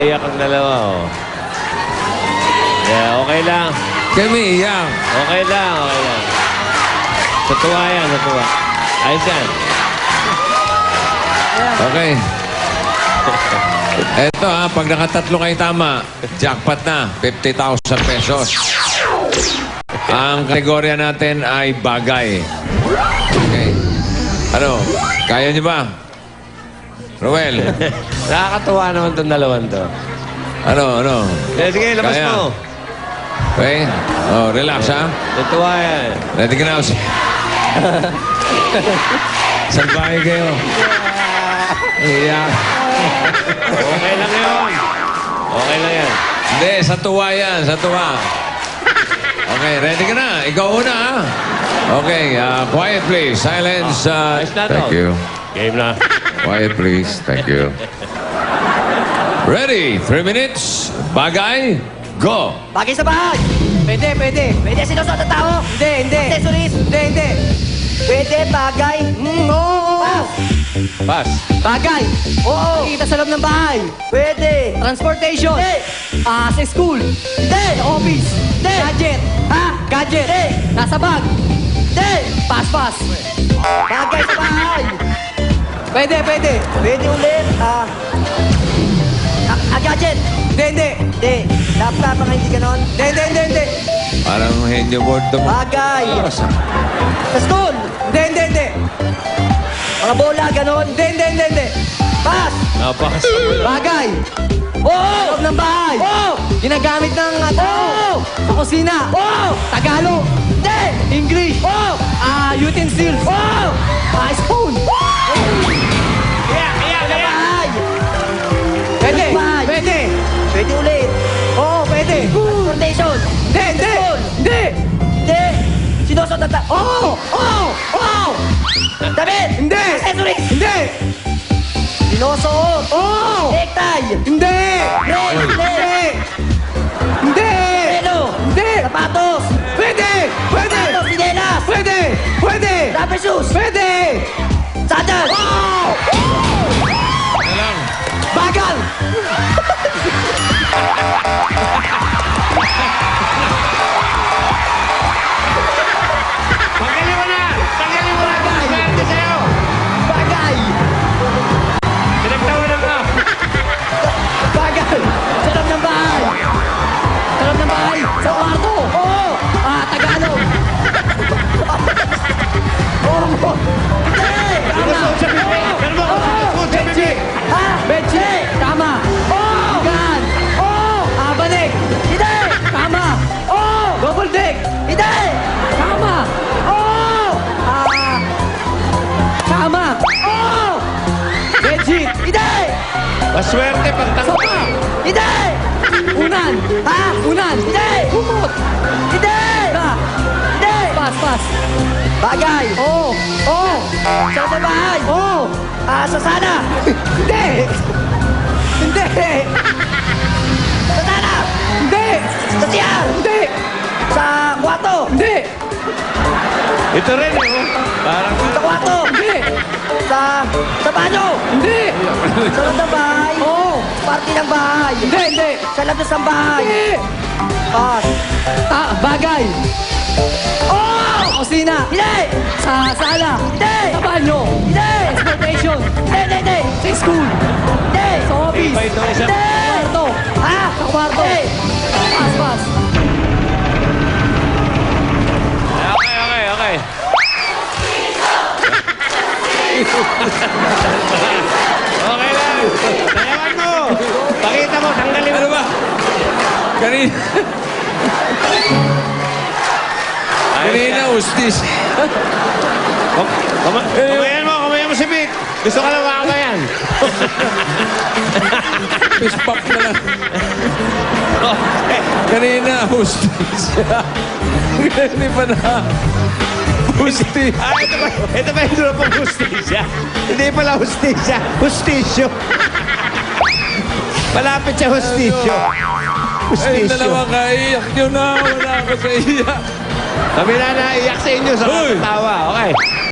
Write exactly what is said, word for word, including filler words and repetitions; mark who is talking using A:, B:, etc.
A: Iyak ang dalawa, oh. Yeah, okay lang.
B: Kami, iyak.
A: Okay lang, okay lang. Sa tuwa yan, sa tuwa. Ayos yan.
B: Okay. Eto ha, pag nakatatlo kayo tama, jackpot na, fifty thousand pesos. Ang kategorya natin ay bagay. Okay. Ano, kaya niyo ba? Roel,
A: Nakakatuwa naman itong dalawan to.
B: ano, ano?
A: Eh, sige, labas
B: Kaya.
A: mo.
B: Okay? Oh, relax ha.
A: Sa tuwa yan.
B: Ready ka na. Salbahe kayo. Iyak.
A: Okay lang yun. Okay lang yan.
B: Hindi, sa tuwa yan, sa tuwa. Okay, ready ka na. Ikaw una, ha? Okay, uh, quiet please. Silence. Uh,
A: Ayos na to.
B: thank you.
A: Game na.
B: Quiet please. Thank you. Ready? Three minutes. Bagay. Go.
C: Bagay sa bahay. Pwede, pwede. Pwede sinusuot ng tao. Hindi, hindi. Accessories. Hindi, hindi. Pwede, bagay. Mm, oo. Pass.
A: Pass.
C: Bagay. Oo. Kita sa loob ng bahay. Pwede. Transportation. Hindi. Ah, sa school. Hindi. Sa office. Hindi. Gadget. Ha? Gadget. Hindi. Nasa bag. Hindi. Pass, pass. Bagay sa bahay. Pwede, pwede. Pwede ulit. Ah. Ah, ah, gadget. Hindi, hindi. Hindi. Laptop ang hindi ganon. Hindi, hindi, hindi, hindi.
B: Parang henyo board to mo.
C: Bagay. Sa school. Hindi, hindi, hindi. Mga bola, ganon. Hindi, hindi, hindi, hindi. Pass.
A: Ah, pass.
C: Bagay. Oo! Loob ng bahay. Oo! Ginagamit ng uh, tao. Oo! Sa kusina. Oo! Tagalog. Hindi! English. Oo! Ah, utensils. Oo! Ah, spoon.
A: Iyak, iyak,
C: Sa
A: iyak.
C: bahay. Pwede. Pwede. Pwede ulit. Oo, pwede. Transportation. Hindi, hindi. Hindi. Hindi. Sinusot na ta... Oo! Oo! Oo! Damit. Hindi. Accessories. Hindi. Sinusuot. Oo! Necktie. Hindi. Ring. Hindi. Hindi. Pelo. Hindi. Sapatos. Pwede. Pwede. Sapatos. Sinelas. Pwede. Pwede. Rubber shoes. Pwede. Sandal. Oo!
B: Ano lang?
C: Bagal.
A: Tanggalin mo na! Tanggalin mo na! Swerte sa'yo!
C: Bagay.
A: Pinagtawanan ka!
C: Bagay. Sa loob ng bahay. Sa loob ng bahay. Sa kwarto. Oo. Ah, Tagalog. Oo. Hindi. Tama.
A: Sa bibig! Pero mo!
C: Oo. Bedsheet. Ha? Bedsheet. Tama. Oo. Gan. Oo. Ah, balik. Hindi. Tama. Oo. Double deck. Hindi. Tama. Oo. Ah. Tama. Oo. Bedsheet. Hindi.
A: Maswerte pag tanggal!
C: Sopa. Hindi. Unan. Ha? Unan. Hindi. Kumot. Hindi. Ba. Hindi. Pas, pas. Bagay. Oo. Oo. Sa sa bahay. Oo. Ah, sa sana. Hindi. Hindi. Sa sana. Hindi. Sa siyar. Hindi. Sa kwarto. Hindi.
A: Ito rin, eh. oh. Parang...
C: Sa kwarto. Hindi. Sa sa banyo. Hindi. Sa loob ng bahay. Oo. Party ng bahay. Hindi, hindi. Sa labas ng bahay. Hindi. Pas. Ah, bagay. Oo. Sa kusina. Hindi. Sa sala. Hindi. Sa banyo. Hindi. Transportation. Hindi, hindi, hindi. Sa school. Hindi. Sa office.
A: Iba ito, isa-
C: Hindi. Sa kwarto. Ha? Sa kwarto. Hindi. Pas, pas.
A: Okay, okay, okay. Okay lang. Sayawan mo. Pakita mo, tanggalin mo.
B: Ano ba? Kanina. Kanina, ustis.
A: Kum- kuma- Kumayan mo, kumayan mo si Vic. Gusto ka lang makakayan.
B: Fist bump na lang.
A: Okay.
B: Kanina, ustis. Hindi pa na. Ustis.
A: Ah, ito ba, ito ba yung dula pang hustisya? Hindi pala hustisya. Hustisyo. Malapit sa hustisyo.
B: Ay,
A: Hustisyo.
B: dalawa ka, iyak nyo na. Wala ako sa iyak.
A: Kami na naiyak sa inyo sa
B: Hoy!
A: tawa. Okay.